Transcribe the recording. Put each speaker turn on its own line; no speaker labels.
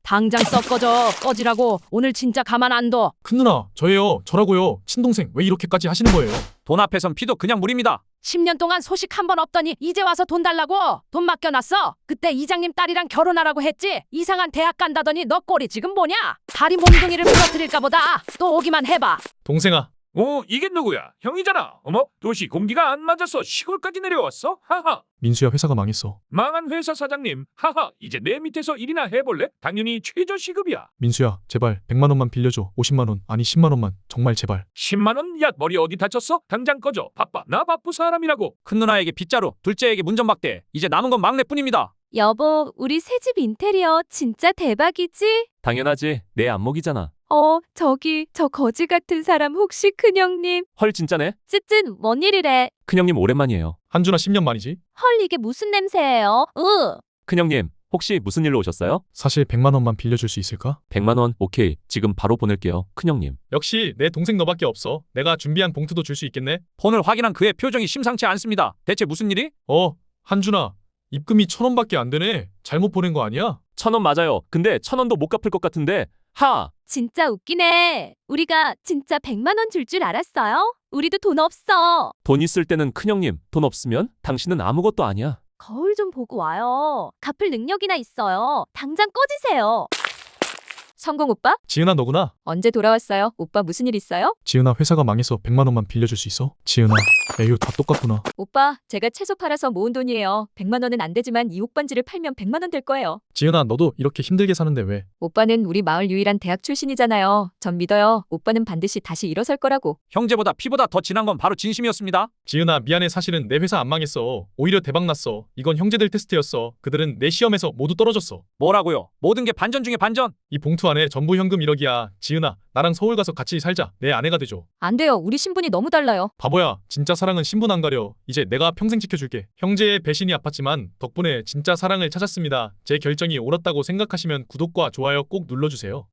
당장 썩 꺼지라고. 오늘 진짜 가만 안 둬.
큰 누나, 저예요. 저라고요. 친동생 왜 이렇게까지 하시는 거예요?
돈 앞에선 피도 그냥 물입니다.
10년 동안 소식 한 번 없더니 이제 와서 돈 달라고. 돈 맡겨놨어. 그때 이장님 딸이랑 결혼하라고 했지. 이상한 대학 간다더니 너 꼴이 지금 뭐냐? 다리 몽둥이를 부러뜨릴까 보다. 또 오기만 해봐.
동생아,
이게 누구야? 형이잖아. 어머, 도시 공기가 안 맞아서 시골까지 내려왔어? 하하.
민수야, 회사가 망했어.
망한 회사 사장님. 하하. 이제 내 밑에서 일이나 해볼래? 당연히 최저 시급이야.
민수야, 제발 100만 원만 빌려줘. 50만 원, 아니 10만 원만. 정말 제발.
10만 원? 야, 머리 어디 다쳤어? 당장 꺼져. 바빠. 나 바쁘 사람이라고.
큰 누나에게 빗자루, 둘째에게 문전박대. 이제 남은 건 막내뿐입니다.
여보, 우리 새집 인테리어 진짜 대박이지?
당연하지. 내 안목이잖아.
저 거지 같은 사람 혹시 큰형님?
헐 진짜네.
쯧쯧, 뭔 일이래?
큰형님 오랜만이에요.
한준아 10년 만이지?
헐, 이게 무슨 냄새예요?
큰형님 혹시 무슨 일로 오셨어요?
사실 100만 원만 빌려줄 수 있을까?
100만 원 오케이. 지금 바로 보낼게요. 큰형님.
역시 내 동생 너밖에 없어. 내가 준비한 봉투도 줄 수 있겠네?
폰을 확인한 그의 표정이 심상치 않습니다. 대체 무슨 일이?
한준아, 입금이 1,000원밖에 안 되네. 잘못 보낸 거 아니야?
1,000원 맞아요. 근데 1,000원도 못 갚을 것 같은데. 하!
진짜 웃기네. 우리가 진짜 100만 원 줄 줄 알았어요? 우리도 돈 없어.
돈 있을 때는 큰형님, 돈 없으면 당신은 아무것도 아니야.
거울 좀 보고 와요. 갚을 능력이나 있어요. 당장 꺼지세요. 성공 오빠?
지은아, 너구나?
언제 돌아왔어요? 오빠 무슨 일 있어요?
지은아, 회사가 망해서 100만 원만 빌려줄 수 있어? 지은아, 에휴, 다 똑같구나.
오빠, 제가 채소 팔아서 모은 돈이에요. 100만 원은 안 되지만 이 옷반지를 팔면 100만 원 될 거예요.
지은아, 너도 이렇게 힘들게 사는데 왜?
오빠는 우리 마을 유일한 대학 출신이잖아요. 전 믿어요. 오빠는 반드시 다시 일어설 거라고.
형제보다 피보다 더 진한 건 바로 진심이었습니다.
지은아, 미안해. 사실은 내 회사 안 망했어. 오히려 대박 났어. 이건 형제들 테스트였어. 그들은 내 시험에서 모두 떨어졌어.
뭐라고요? 모든 게 반전 중에 반전.
이 봉투 안에 전부 현금 1억이야. 지은아, 나랑 서울 가서 같이 살자. 내 아내가 되줘.
안 돼요. 우리 신분이 너무 달라요.
바보야. 진짜 사랑은 신분 안 가려. 이제 내가 평생 지켜줄게. 형제의 배신이 아팠지만 덕분에 진짜 사랑을 찾았습니다. 제 결정이 옳았다고 생각하시면 구독과 좋아요 꼭 눌러주세요.